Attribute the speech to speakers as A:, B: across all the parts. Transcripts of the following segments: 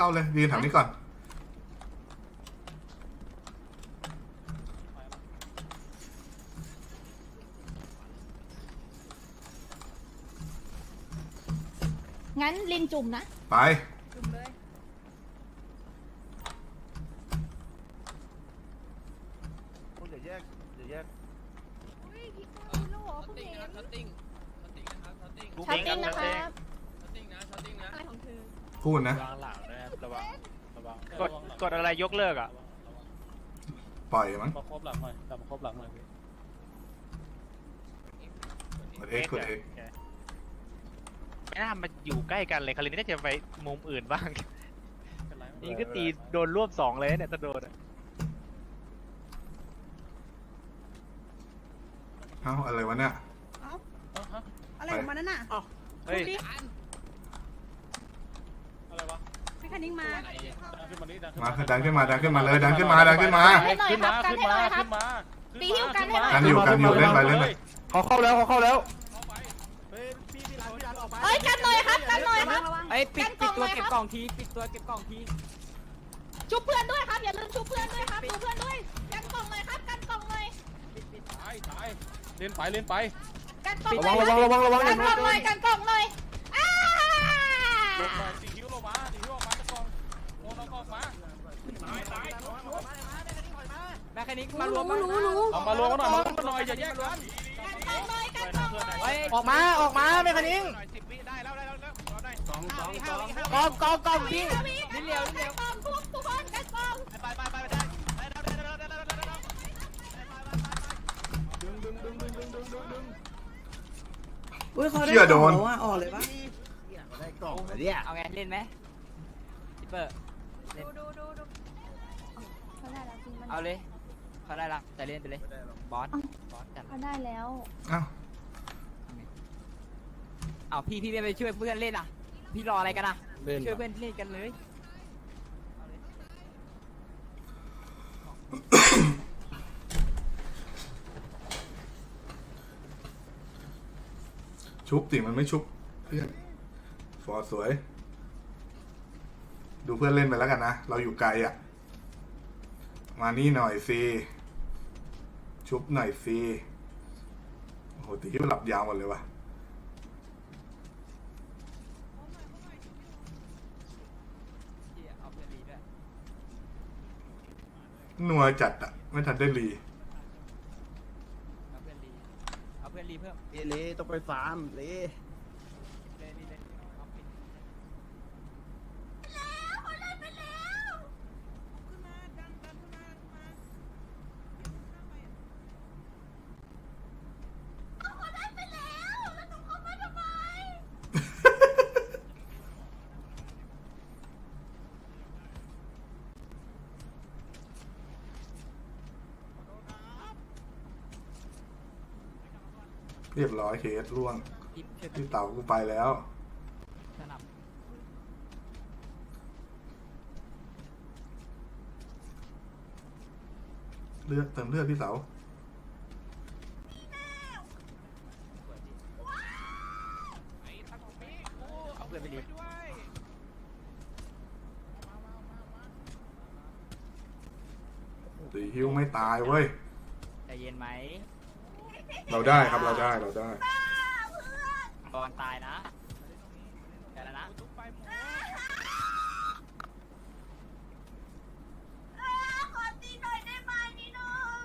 A: เลยยืนแถวนี้ก่อน
B: งั้นลินจุ่มนะ
A: ไป
B: จุ่มเลย
C: คุณอย่าแยก
B: อุ้ยพี่ก้าวรู้เหรอคุณเห็นช็อตติ้งนะครับช็อตติ้งนะอะไรของเธอ
A: พูดนะ
C: ระวังกดอะไรยกเลิกอ่ะ
A: ปล่อยมั้ง
D: มาครบหลังหน่อยกลับมาครบหลังหน่อยพี่
A: กด X กด X
C: ไม่น่ามาอยู่ใกล้กันเลยคารินน่าจะไปมุมอื่นบ้างนี่ก็ตีโดนรวบ2เลยเนี่ยถ้าโดน
A: เอ้าอะไรวะเนี่ย
B: อะไรของมันนั่นน่ะ
C: เฮ้ย
D: อะไรวะ
B: พี่คันนิ่งมา
A: มาดันขึ้นมาเลยดันขึ้นมา
D: ขึ้นมา
B: ตีหิ้วกันให้หน่อย
A: กันอยู่เล่นไป
E: เขาเข้าแล้ว
B: เอ้ยกันหน่อยครับ
E: ไอ้ปิดตัวเก็บกล่องที
B: ชุบเพื่อนด้วยครับอย่าลืมชุบเพื่อนด้วยครับดูเพื่อนด้วยกันกล่องเลยครับกันกล่องเลย
D: ตายเล่นไป
B: กันกล่องเลย
E: ระวัง
B: กันกล่องเลยกันกล่องเลย
D: ลงมาตีหิ้วออกมาตะกองโอนเอาออกมาตาย
E: แม่แค่นี้มารวม
D: เอามารวมกันหน่อยอย่าแยกกัน
E: ออกมาแม่แค่นี้
C: 10 วิได้แล้ว
E: กองพี่นิดเดียว
B: ทุกคนกันกล่อง
C: ไป
F: อุ้ยเขาได้กล่องแล้วอ่ะออกเลยปะ
E: ได้กล่องเนี่ยเอาไงเล่นไหมทิปเปอร์
B: ดู
E: เอาเลยเขาได้ละแต่เล่นไปเลยบอสจัด
B: เขาได้แล้ว
E: เอาพี่ไม่ไปช่วยเพื่อนเล่นอ่ะพี่รออะไรกันอ่ะช่วยเพื่อนเล่นกันเลย
A: ชุบสิมันไม่ชุบเพื่อนฟอร์สวยดูเพื่อนเล่นไปแล้วกันนะเราอยู่ไกลอ่ะมานี่หน่อยสิชุบหน่อยสิโอ้โหตีที่มันหลับยาวหมดเลยวะนัวจัดอ่ะไม่ทันได้รี
E: เอาเพื่อนรีเพิ่ม
C: เละต้องไปฟาร์มเละ
A: เรียบร้อยเคสล่วงพี่เต่ากูไปแล้วเลือดเติมเลือดพี่เต๋า
E: เอาเพื่อนไปรี
A: ตีฮิวไม่ตายเว้ย
E: ใจเย็นไหม
A: เราได้ครับเราได้
E: บอลตายนะแต่ละนะ
B: ขอตีหน่อยได้ไหมนี่น้อง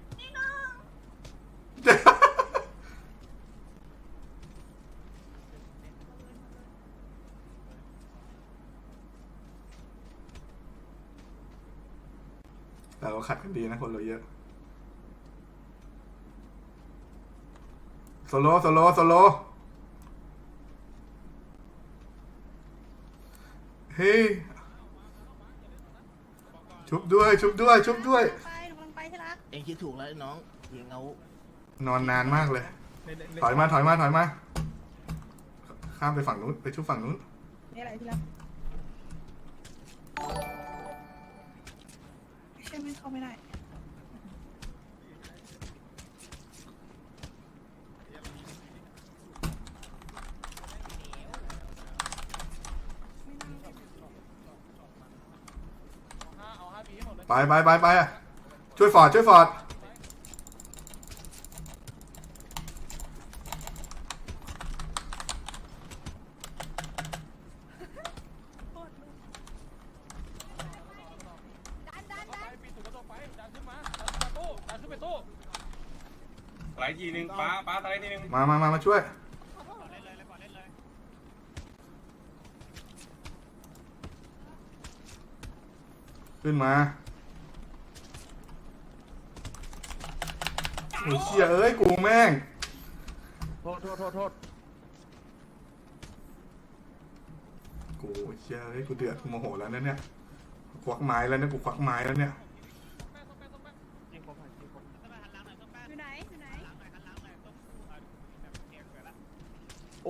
A: แต่เราขัดกันดีนะคนเราเยอะโซโลเฮ้ยชุบด้วย
B: ไปกำลังไปที่รัก
C: เองคิดถูกแล้วน้องเองเอา
A: นอนนานมากเลยถอยมาข้ามไปฝั่งนู้นไปชุบฝั่งนู้น
B: นี่อะไรที่รักใช่ไหมเข้าไม่ได้
D: ตีให้หมดเลย
A: ไปช่วยฟอร์ด
D: ปีถูกกระจกไปดันขึ้นมาดันขึ้นไปตู้
G: ไหลทีนึงป้าไหลทีนึง
A: มาช่วยขึ้นมาโอ้ยเชี่ยเอ้ยกูแม่งโทษกูเชี่ยเอ้ยกูเดือดกูโมโหแล้วนะเนี่ยควักไม้แล้วเนี่ยกูควักไม้แล้วเนี่ย
F: อยู่ไหน
C: โอ้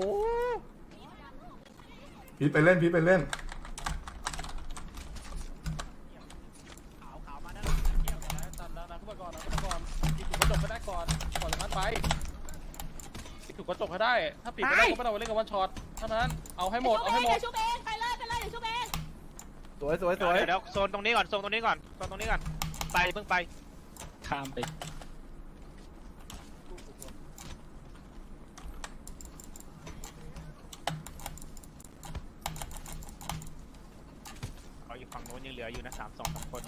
A: พีทไปเล่น
D: ดันขึ้นมาก่อนปีถูกกระจกให้ได้ก่อนจากนั้นไปปีถูกกระจกให้ได้ถ้าปิดไม่ได้ก็ไม่ต้องไปเล่นกับวันช็อตเท่านั้นเอาให้หมด
B: เดี๋ยวชุบเองไปเลยเดี๋ยวชุบเอง
C: สวยเดี๋ยวโซนตรงนี้ก่อนไปเพิ่งไปข้ามไปเขาอยู่ฝั่งโน้นยังเหลืออยู่นะ3-2 คน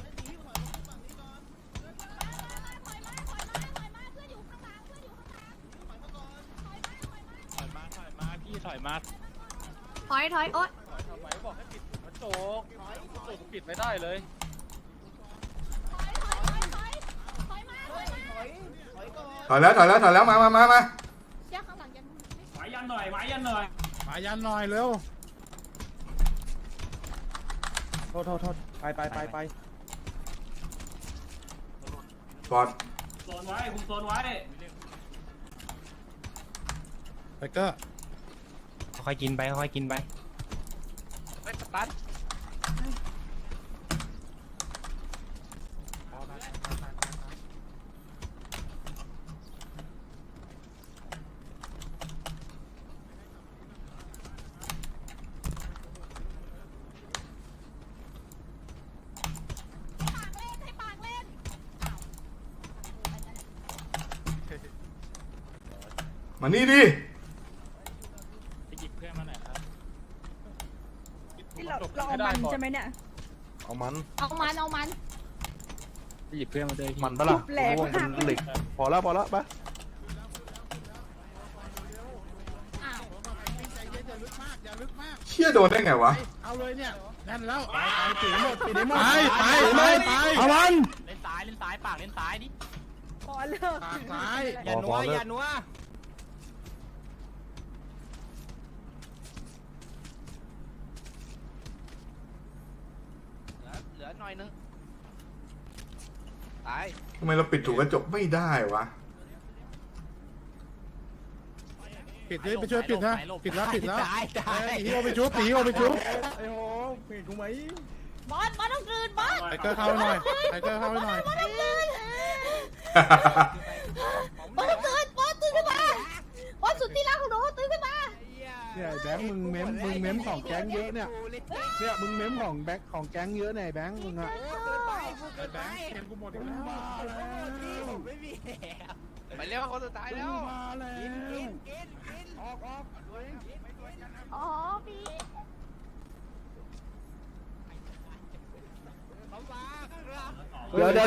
C: ถอยมา
B: ถอยโอ๊ย
D: ทำไมบอกให้ปิดกระจกปิดไม่ได้เลย
A: ถอยแล้วมา
B: เชี่ยข้างหลังยัน
G: หมายยันหน่อยเร็วโทษไป
A: ฟอร์ด
G: โซนไว้คุมโซนไว้ไปเกอร์
C: ค่อยกินไปไปสตาร์ท
A: มานี่ดิ
C: ไปหยิบเพื่อนมาหน่อยครับ
F: เราเอามันใช่ไหมเนี่ย
A: เอามัน
C: ไปหยิบเพื่อนมาเลย
A: มันปะล่ะ
F: แหลกหัก
A: เหล็กพอแล้วไป
B: อ้าว
A: เชี่ยโดนได้ไงวะ
G: เอาเลยเนี่ยแน่นแล้วไปเอามัน
C: เล่นซ้ายปากเล่นซ้ายดิ
F: พอเลิก
G: ซ้าย
C: อย่านัวเหลือหน่อยนึงตาย
A: ทำไมเราปิดถูกกระจกไม่ได้วะ
G: ปิดเลยไปช่วยปิดนะปิดแล้ว
C: ตาย
G: ตีโอไปชุบไอ้โหเห็นกูไหม
B: บอสต้องกลืนบอส
G: ไทเกอร์เข้าให้หน่อย
B: บอสต้องกลืนบอสตื่นขึ้นมาบอสสุดที่รักของหนูตื่นขึ้นมา
G: เนี่ยแบงค์มึงเม้มของแก๊งเยอะเนี่ยมึงเม้มของแบงค์ของแก๊งเยอะเนี่ยแบงค์มึงอะแบงค์เห็นกูหมดอีกแล้วมาแล้ว
C: ไปเร็วคนสุดท้ายแล้ว
G: มาแล้วออก
B: อ๋อพี่
G: เดี๋ยว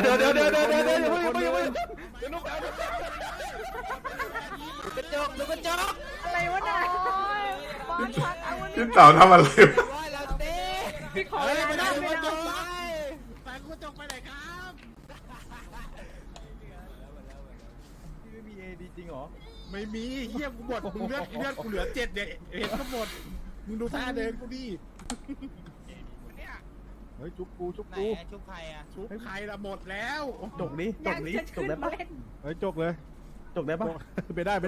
E: ดูกระจก
F: อะไรวะเนี่ย
B: บอสชักอาวุธ
A: พี่เต่าทำอะไรวะ
E: ร้อยแล้วเต้
F: พี่ขอ
G: ไม่ได้
F: ไม่
G: กระจ
F: ได้
G: กแต่กระจกไปไหนครับไม่มีเอดีจริงเหรอไม่มีเฮียกูหมดมึงเลือดกูเหลือ7เนี่ยเห็นก็หมดมึงดูท่าเดินกูดิเฮ้ยจุกกู
C: ชุบใครอ่ะ
G: ชุบใครละหมดแล้วจก
F: อยากจะขึ้นมาเล่น
G: เฮ้ยจกเลยจกได้ปะไม่ได้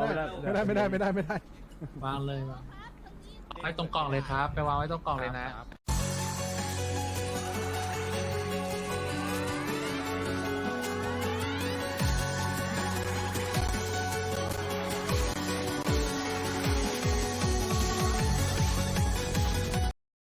H: วางเลยวางไว้ตรงกล่องเลยครับ ไปวางไว้ตรงกล่องเลยนะ